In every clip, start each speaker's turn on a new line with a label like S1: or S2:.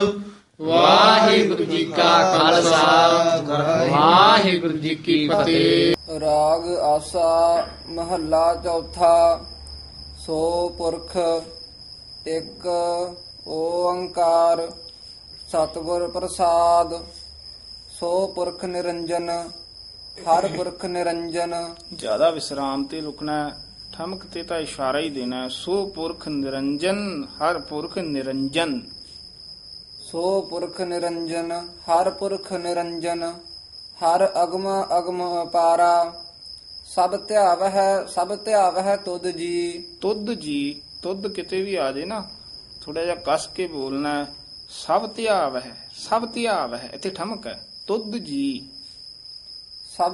S1: ਵਾਹਿਗੁਰੂ ਜੀ ਕਾ ਖਾਲਸਾ ਵਾਹਿਗੁਰੂ ਜੀ ਕੀ ਫਤਿਹ।
S2: ਰਾਗ ਆਸਾ ਮਹੱਲਾ ਚੌਥਾ। ਸੋ ਪੁਰਖ ਇੱਕ ਓੰਕਾਰ ਸਤਿਗੁਰ ਪ੍ਰਸਾਦ। ਸੋ ਪੁਰਖ ਨਿਰੰਜਨ ਹਰ ਪੁਰਖ ਨਿਰੰਜਨ।
S3: ਜ਼ਿਆਦਾ ਵਿਸਰਾਮ ਤੇ ਰੁਕਣਾ ਹੈ, ਠਮਕ ਤੇ ਤਾਂ ਇਸ਼ਾਰਾ ਹੀ ਦੇਣਾ ਹੈ। ਸੋ ਪੁਰਖ ਨਿਰੰਜਨ ਹਰ ਪੁਰਖ ਨਿਰੰਜਨ।
S2: ਸੋ ਪੁਰਖ ਨਿਰੰਜਨ ਹਰ ਪੁਰਖ ਨਿਰੰਜਨ। ਹਰ ਅਗਮ ਅਗਮ ਅਪਾਰਾ ਸਭ ਧਿਆਵਹਿ ਤੁਧ ਜੀ।
S3: ਤੁਧ ਜੀ, ਤੁਧ ਕਿਤੇ ਵੀ ਆ ਜੇ ਨਾ ਥੋੜਾ ਜਿਹਾ ਕੱਸ ਕੇ ਬੋਲਣਾ ਹੈ। ਸਭ ਧਿਆਵ ਹੈ ਇੱਥੇ ਠਮਕ ਹੈ। ਤੁਧ ਜੀ,
S2: ਸਭ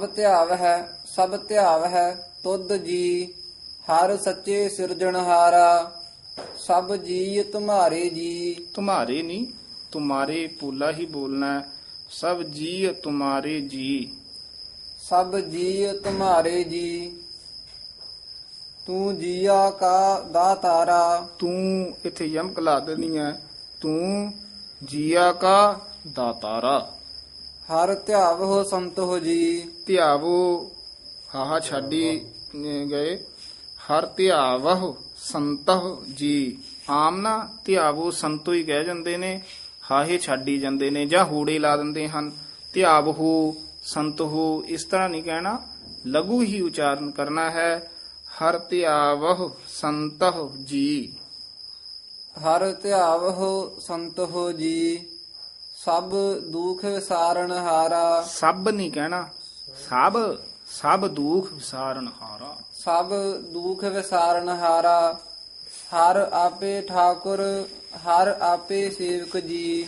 S2: ਧਿਆਵਹਿ ਤੁਧ ਜੀ। ਹਰ ਸੱਚੇ ਸਿਰਜਣਹਾਰਾ ਸਭ ਜੀ ਤੁਮਾਰੇ ਜੀ।
S3: ਤੁਮਾਰੇ ਨਹੀਂ, ਤੁਮਾਰੇ ਪੂਲਾ ਹੀ ਬੋਲਣਾ ਹੈ। ਸਭ ਜੀ ਤੁਮਾਰੇ ਜੀ।
S2: ਸਭ ਜੀ ਤੁਮਾਰੇ ਜੀ। ਤੂੰ ਜੀਆ ਕਾ ਦਾਤਾਰਾ।
S3: ਤੂੰ ਇੱਥੇ ਯਮਕ ਲਾ ਦੇਣੀ ਹੈ। ਤੂੰ ਜੀਆ ਕਾ ਦਾਤਾਰਾ।
S2: ਹਰ ਧਿਆਵਹੁ ਸੰਤੋ ਜੀ।
S3: ਧਿਆਵੋ ਹਾਹਾ ਛਾਡੀ ਗਏ। ਹਰ ਧਿਆਵਹੁ ਸੰਤਹੁ ਜੀ। ਆਮ ਨਾ ਧਿਆਵੋ ਸੰਤੋ ਹੀ ਕਹਿ ਜਾਂਦੇ ਨੇ, ਹਾਹੇ ਛਾਡੀ ਜਾਂਦੇ ਨੇ ਜਾਂ ਹੂੜੇ ਲਾ ਦਿੰਦੇ ਹਨ। ਧਿਆਵਹੁ ਸੰਤਹੁ ਇਸ ਤਰ੍ਹਾਂ ਨਹੀਂ ਕਹਿਣਾ, ਲਘੂ ਹੀ ਉਚਾਰਨ ਕਰਨਾ ਹੈ। ਹਰ ਧਿਆਵਹੁ ਸੰਤਹੁ ਜੀ।
S2: ਹਰ ਧਿਆਵਹੁ ਸੰਤੋ ਜੀ। ਸਭ ਦੁਖ ਵਿਸਾਰਨ ਹਾਰਾ।
S3: ਸਭ ਨਹੀਂ ਕਹਿਣਾ, ਸਭ ਦੁਖ ਵਿਸਾਰਨ ਹਾਰਾ।
S2: ਸਭ ਦੁਖ ਵਿਸਾਰਨ ਹਾਰਾ। ਹਰ ਆਪੇ ਠਾਕੁਰ ਹਰ ਆਪੇ ਸੇਵਕ ਜੀ।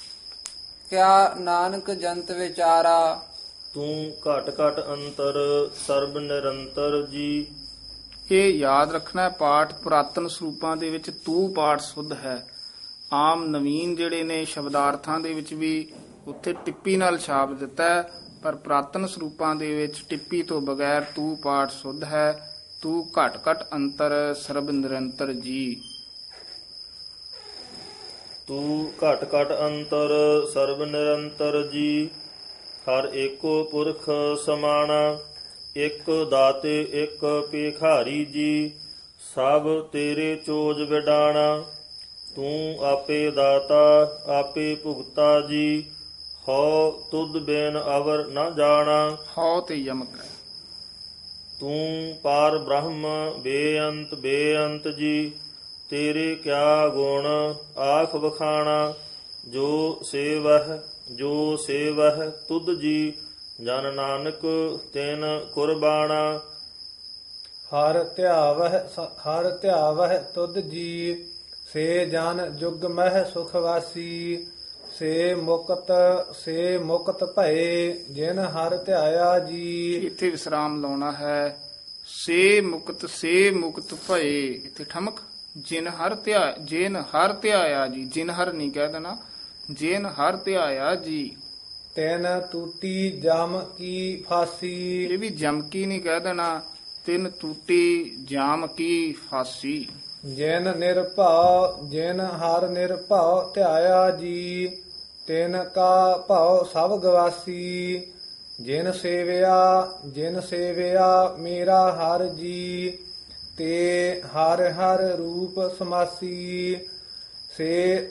S2: ਕਿਆ ਨਾਨਕ ਜੰਤ ਵਿਚਾਰਾ।
S4: ਤੂੰ ਘਟ ਘਟ ਅੰਤਰ ਸਰਬ ਨਿਰੰਤਰ ਜੀ।
S3: ਇਹ ਯਾਦ ਰੱਖਣਾ ਹੈ, ਪਾਠ ਪੁਰਾਤਨ ਸਰੂਪਾਂ ਦੇ ਵਿੱਚ ਤੂੰ ਪਾਠ ਸੁੱਧ ਹੈ। ਆਮ ਨਵੀਨ ਜਿਹੜੇ ਨੇ ਸ਼ਬਦਾਰਥਾਂ ਦੇ ਵਿੱਚ ਵੀ ਉੱਥੇ ਟਿੱਪੀ ਨਾਲ ਛਾਪ ਦਿੱਤਾ ਹੈ, ਪਰ ਪੁਰਾਤਨ ਸਰੂਪਾਂ ਦੇ ਵਿੱਚ ਟਿੱਪੀ ਤੋਂ ਬਗੈਰ ਤੂੰ ਪਾਠ ਸੁੱਧ ਹੈ। ਤੂੰ ਘਟ ਘਟ ਅੰਤਰ ਸਰਬ ਨਿਰੰਤਰ ਜੀ।
S4: ਤੂੰ ਘਟ ਘਟ ਅੰਤਰ ਸਰਬ ਨਿਰੰਤਰ ਜੀ। ਹਰ ਏਕੋ ਪੁਰਖ ਸਮਾਣਾ। ਇੱਕ ਦਾਤੇ ਇੱਕ ਭਿਖਾਰੀ ਜੀ। ਸਭ ਤੇਰੇ ਚੋਜ ਵਿਡਾਣਾ। ਤੂੰ ਆਪੇ ਦਾਤਾ ਆਪੇ ਭੁਗਤਾ ਜੀ। ਹਉ ਤੁਧ ਬਿਨ ਅਵਰ ਨ ਜਾਣਾ।
S3: ਹਉ ਤੇ ਯਮਕ ਹੈ।
S4: ਤੂੰ ਪਾਰ ਬ੍ਰਹਮ ਬੇਅੰਤ ਜੀ। ਤੇਰੇ ਕਿਆ ਗੁਣ ਆਖ ਵਖਾਣਾ। ਜੋ ਸੇਵਹਿ ਤੁਧ ਜੀ। ਜਨ ਨਾਨਕ ਤਿਨ ਕੁਰਬਾਣਾ।
S5: ਹਰ ਧਿਆਵਹਿ ਤੁਧ ਜੀ। ਸੇ ਜਨ ਜੁਗ ਮਹਿ ਸੁਖ ਵਾਸੀ। ਸੇ ਮੁਕਤ ਭਏ ਜਿਨ ਹਰ ਧਿਆਇਆ ਜੀ।
S3: ਇੱਥੇ ਵਿਸਰਾਮ ਲਾਉਣਾ ਹੈ। ਸੇ ਮੁਕਤ ਭਏ ਇੱਥੇ ਠਮਕ। ਜਿਨ ਹਰ ਧਿਆਇਆ ਜੀ। ਜਿਨ ਹਰ ਨਹੀਂ ਕਹਿ ਦੇਣਾ, ਜਿਨ ਹਰ ਧਿਆਇਆ ਜੀ।
S5: ਤਿਨ ਟੂਟੀ ਜਮ ਕੀ ਫਾਸੀ।
S3: ਇਹ ਵੀ ਜਮਕੀ ਨਹੀਂ ਕਹਿ ਦੇਣਾ, ਤਿੰਨ ਟੂਟੀ ਜਾਮ ਕੀ ਫਾਸੀ।
S5: ਜਿਨ ਹਰ ਨਿਰਭਉ ਧਿਆਇਆ ਜੀ। ਤਿਨ ਕਾ ਭਉ ਸਭ ਗਵਾਸੀ। ਜਿਨ ਸੇਵਿਆ ਮੇਰਾ ਹਰ ਜੀ। ਤੇ ਹਰ ਰੂਪ ਸਮਾਸੀ। ਸੇ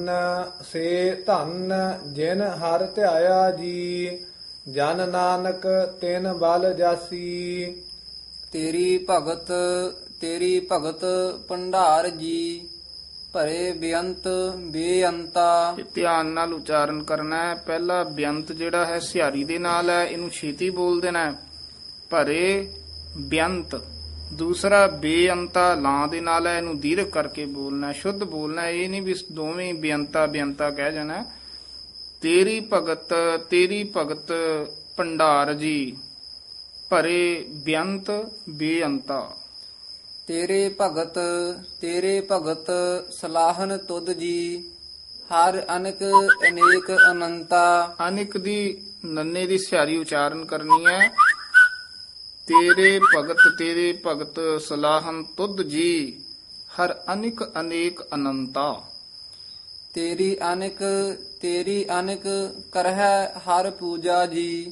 S5: ਧਨ ਜਿਨ ਹਰ ਧਿਆਇਆ ਜੀ। ਜਨ ਨਾਨਕ ਤਿਨ ਬਲ ਜਾਸੀ।
S2: ਤੇਰੀ ਭਗਤ ਭੰਡਾਰ ਜੀ। ਭਰੇ ਬੇਅੰਤਾ।
S3: ਇਹ ਧਿਆਨ ਨਾਲ ਉਚਾਰਨ ਕਰਨਾ ਹੈ। ਪਹਿਲਾ ਬੇਅੰਤ ਜਿਹੜਾ ਹੈ ਸਿਹਾਰੀ ਦੇ ਨਾਲ ਹੈ, ਇਹਨੂੰ ਛੇਤੀ ਬੋਲ ਦੇਣਾ ਹੈ। ਭਰੇ ਬੇਅੰਤ। ਦੂਸਰਾ ਬੇਅੰਤਾ ਲਾਂ ਦੇ ਨਾਲ ਹੈ, ਇਹਨੂੰ ਦੀਰਘ ਕਰਕੇ ਬੋਲਣਾ, ਸ਼ੁੱਧ ਬੋਲਣਾ। ਇਹ ਨਹੀਂ ਵੀ ਦੋਵੇਂ ਬੇਅੰਤਾ ਕਹਿ ਜਾਣਾ। ਤੇਰੀ ਭਗਤ ਭੰਡਾਰ ਜੀ। ਭਰੇ ਬੇਅੰਤ ਬੇਅੰਤਾ।
S2: ਤੇਰੇ ਭਗਤ ਸਲਾਹਨ ਤੁਧ ਜੀ। ਹਰ ਅਨਕ ਅਨੇਕ ਅਨੰਤਾ।
S3: ਅਨਿਕ ਦੀ ਨੰਨੇ ਦੀ ਸਿਹਾਰੀ ਉਚਾਰਨ ਕਰਨੀ ਹੈ। ਤੇਰੇ ਭਗਤ ਸਲਾਹਨ ਤੁਧ ਜੀ। ਹਰ ਅਨਿਕ ਅਨੇਕ ਅਨੰਤਾ।
S2: ਤੇਰੀ ਅਨਿਕ ਕਰਹਿ ਹਰ ਪੂਜਾ ਜੀ।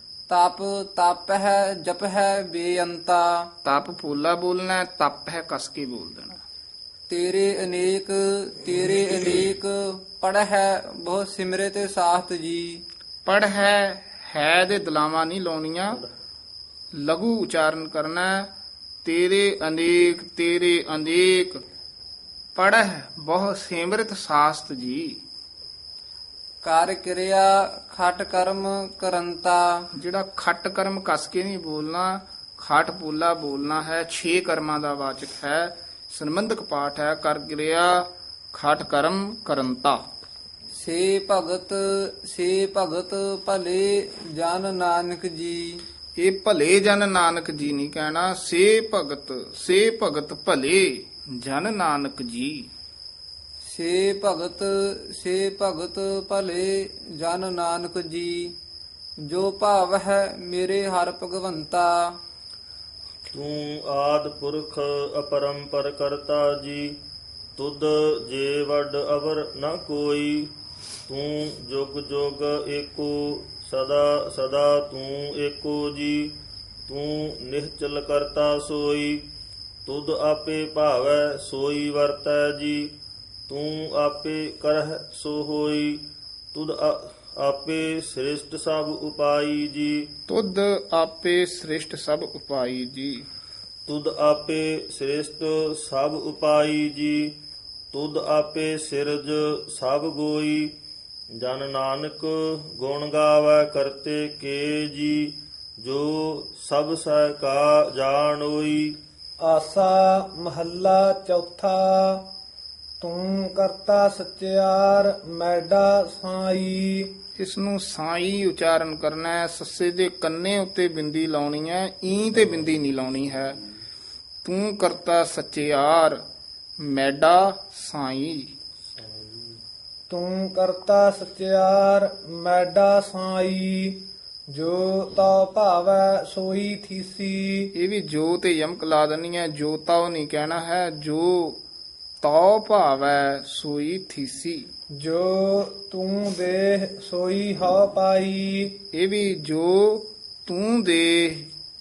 S2: ਤਪ ਹੈ ਜਪ ਹੈ ਬੇਅੰਤਾ।
S3: ਤਪ ਪੋਲਾ ਬੋਲਣਾ ਹੈ, ਤਪ ਹੈ ਕਸ ਕੇ ਬੋਲ ਦੇਣਾ।
S2: ਤੇਰੇ ਅਨੇਕ ਪੜ ਹੈ ਬਹੁ ਸਿਮਰਿਤ ਸਾਖਤ ਜੀ।
S3: ਪੜ ਹੈ ਦੇ ਦਲਾਵਾਂ ਨਹੀਂ ਲਾਉਣੀਆਂ, ਲਘੂ ਉਚਾਰਨ ਕਰਨਾ ਹੈ। ਤੇਰੇ ਅਨੇਕ ਪੜ੍ਹ ਬਹੁ ਸਿਮਰਿਤ ਸਾਸਤ ਜੀ।
S2: ਕਰ ਕਿਰਿਆ ਖਟ ਕਰਮ ਕਰੰਤਾ।
S3: ਜਿਹੜਾ ਖੱਟ ਕਰਮ ਕਸ ਕੇ ਨਹੀਂ ਬੋਲਣਾ, ਖਟ ਪੋਲਾ ਬੋਲਣਾ ਹੈ। 6 ਕਰਮਾਂ ਦਾ ਵਾਚਕ ਹੈ, ਸੰਬੰਧਕ ਪਾਠ ਹੈ। ਕਰ ਕਿਰਿਆ ਖਟ ਕਰਮ ਕਰੰਤਾ।
S2: ਸੇ ਭਗਤ ਭਲੇ ਜਨ ਨਾਨਕ ਜੀ।
S3: ਇਹ ਭਲੇ ਜਨ ਨਾਨਕ ਜੀ ਨਹੀਂ ਕਹਿਣਾ, ਸੇ ਭਗਤ ਭਲੇ ਜਨ ਨਾਨਕ ਜੀ।
S2: ਸੇ ਭਗਤ ਭਲੇ ਜਨ ਨਾਨਕ ਜੀ। ਜੋ ਭਾਵ ਹੈ ਮੇਰੇ ਹਰ ਭਗਵੰਤਾ।
S4: ਤੂੰ ਆਦ ਪੁਰਖ ਅਪਰੰਪਰ ਕਰਤਾ ਜੀ। ਤੁਧ ਜੇ ਵੱਡ ਅਵਰ ਨ ਕੋਈ। ਤੂੰ ਜੁਗ ਜੁਗ ਏਕੋ ਸਦਾ ਸਦਾ ਤੂੰ ਏਕੋ ਜੀ। ਤੂੰ ਨਿਹਚਲ ਕਰਤਾ ਸੋਈ। ਤੁਧ ਆਪੇ ਭਾਵੈ ਸੋਈ ਵਰਤੈ ਜੀ। ਤੂੰ ਆਪੇ ਕਰਹਿ ਸੋ ਹੋਈ। ਤੁਧ ਆਪੇ ਸ੍ਰਿਸ਼ਟ ਸਭ ਉਪਾਈ ਜੀ।
S3: ਤੁਧ ਆਪੇ ਸ੍ਰਿਸ਼ਟ ਸਭ ਉਪਾਈ ਜੀ।
S4: ਤੁਧ ਆਪੇ ਸ੍ਰਿਸ਼ਟ ਸਭ ਉਪਾਈ ਜੀ। ਤੁਧ ਆਪੇ ਸਿਰਜ ਸਭ ਗੋਈ। ਜਨ ਨਾਨਕ ਗੁਣ ਗਾਵੈ ਕਰਤੇ ਕੇ ਜੀ। ਜੋ ਸਭ ਸਹਿ ਕਾ ਜਾਣੋਈ।
S5: ਆਸਾ ਮਹੱਲਾ ਚੌਥਾ। ਤੂੰ ਕਰਤਾ ਸਚਿਆਰ ਮੈਡਾ ਸਾਈ।
S3: ਇਸ ਨੂੰ ਸਾਈ ਉਚਾਰਨ ਕਰਨਾ ਹੈ। ਸੱਸੇ ਦੇ ਕੰਨੇ ਉੱਤੇ ਬਿੰਦੀ ਲਾਉਣੀ ਹੈ, ਈ ਤੇ ਬਿੰਦੀ ਨਹੀਂ ਲਾਉਣੀ ਹੈ। ਤੂੰ ਕਰਤਾ ਸਚਿਆਰ ਮੈਡਾ ਸਾਈ।
S5: ਤੂੰ ਕਰਤਾ ਸਚਿਆਰ ਮੈਡਾ ਸਾਈ। ਜੋ ਤਾ ਭਾਵੈ ਸੋਈ ਥੀਸੀ।
S3: ਇਹ ਵੀ ਜੋ ਤੇ ਯਮਕ ਲਾ ਦੇਣੀ ਹੈ, ਜੋ ਤਾਉ ਨਹੀਂ ਕਹਿਣਾ ਹੈ। ਜੋ ਤਉ ਭਾਵੈ ਸੋਈ ਥੀਸੀ।
S5: ਜੋ ਤੂੰ ਦੇਹ ਸੋਈ ਹਉ ਪਾਈ।
S3: ਇਹ ਵੀ ਜੋ ਤੂੰ ਦੇ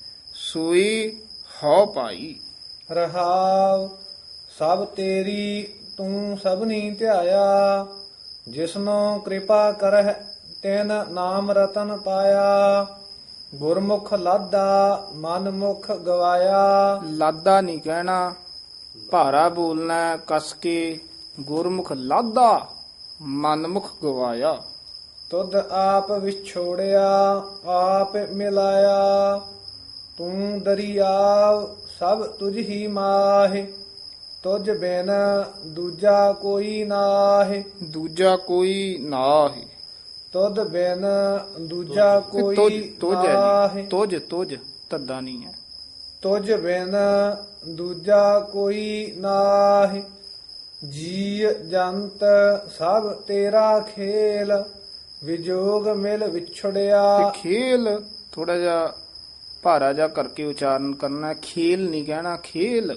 S3: ਸੋਈ ਹਉ ਪਾਈ।
S5: ਰਹਾਵ ਸਭ ਤੇਰੀ ਤੂੰ ਸਭਨੀ ਧਿਆਇਆ। ਜਿਸਨੂੰ ਕਿਰਪਾ ਕਰਹਿ ਤਿਨ ਨਾਮ ਰਤਨ ਪਾਇਆ। ਗੁਰਮੁਖ ਲਾਦਾ ਮਨ ਮੁਖ ਗਵਾਇਆ।
S3: ਲਾਦਾ ਨਹੀਂ ਕਹਿਣਾ, ਭਾਰਾ ਬੋਲਣਾ ਹੈ, ਕਸ ਕੇ। ਗੁਰਮੁਖ ਲਾਦਾ ਮਨਮੁਖ ਗਵਾਇਆ।
S5: ਤੁਧ ਆਪ ਵਿਛੋੜਿਆ ਆਪ ਮਿਲਾਇਆ। ਤੂੰ ਦਰਿਆਵ ਸਭ ਤੁਝ ਹੀ ਮਾਹਿ। ਤੁਝ ਬਿਨ ਦੂਜਾ ਕੋਈ ਨਾਹਿ।
S3: ਦੂਜਾ ਕੋਈ ਨਾਹੀ।
S5: ਤੁਧ ਬਿਨ ਦੂਜਾ ਕੋਈ
S3: ਤੁਝ ਹੈ
S5: ਨਾਹਿ।
S3: ਜੀ, ਤੁਝ ਧੱਦਾ ਨਹੀਂ ਹੈ।
S5: ਤੁਝ ਬਿਨ ਦੂਜਾ ਕੋਈ ਨਾਹਿ। ਜੀ ਜੰਤ ਸਭ ਤੇਰਾ ਖੇਲ। ਵਿਜੋਗ ਮਿਲ ਵਿਛੜਿਆ।
S3: ਤੇ ਖੇਲ ਥੋੜਾ ਜਿਹਾ ਭਾਰਾ ਜਿਹਾ ਕਰਕੇ ਉਚਾਰਨ ਕਰਨਾ ਹੈ। ਖੇਲ ਨਹੀਂ ਕਹਿਣਾ, ਖੇਲ।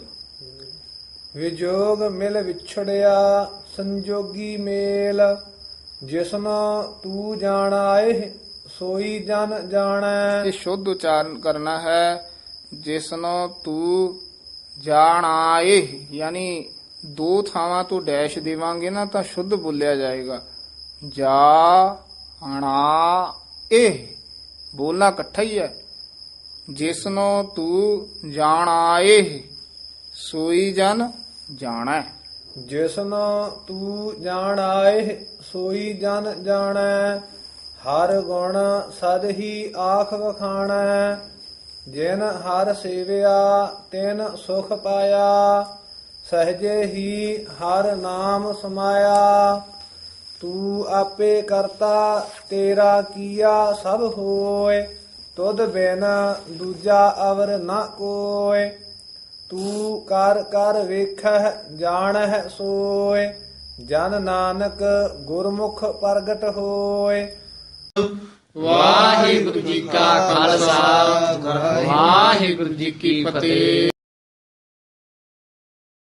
S5: ਵਿਜੋਗ ਮਿਲ ਵਿਛੜਿਆ ਸੰਜੋਗੀ ਮੇਲ। ਜਿਸਨੂੰ ਤੂੰ ਜਾਣਾਏ ਸੋਈ ਜਨ ਜਾਣੈ।
S3: ਇਹ ਸ਼ੁੱਧ ਉਚਾਰਨ ਕਰਨਾ ਹੈ। ਜਿਸਨੂੰ ਤੂੰ ਜਾਣਾਏ, ਯਾਨੀ 2 ਥਾਵਾਂ ਤੋਂ ਡੈਸ਼ ਦੇਵਾਂਗੇ ਨਾ ਤਾਂ ਸ਼ੁੱਧ ਬੋਲਿਆ ਜਾਏਗਾ। ਜਾਣਾ ਇਹ ਬੋਲਣਾ ਇਕੱਠਾ ਹੀ ਹੈ। ਜਿਸਨੂੰ ਤੂੰ ਜਾਣਾਏ ਸੋਈ ਜਨ ਜਾਣੈ।
S5: ਜਿਸਨੂੰ ਤੂੰ ਜਾਣਾਏ ਸੋਈ ਜਨ ਜਾਣੈ। ਹਰ ਗੁਣ ਸਦ ਹੀ ਆਖ ਵਖਾਣੈ। ਜਿਨ ਹਰ ਸੇਵਿਆ ਤਿਨ ਸੁਖ ਪਾਇਆ। ਸਹਜੇ ਹੀ ਹਰ ਨਾਮ ਸਮਾਇਆ। ਤੂੰ ਆਪੇ ਕਰਤਾ ਤੇਰਾ ਕੀਆ ਸਭ ਹੋਏ। ਤੁਧ ਬਿਨ ਦੂਜਾ ਅਵਰ ਨ ਕੋਇ। ਤੂੰ ਕਰ ਕਰ ਵੇਖਹਿ ਜਾਣਹਿ ਸੋਇ। ਜਨ ਨਾਨਕ ਗੁਰਮੁਖ ਪ੍ਰਗਟ ਹੋਏ।
S1: ਵਾਹਿਗੁਰੂ ਜੀ ਕਾ ਖਾਲਸਾ ਵਾਹਿਗੁਰੂ ਜੀ ਕੀ ਫਤਿਹ।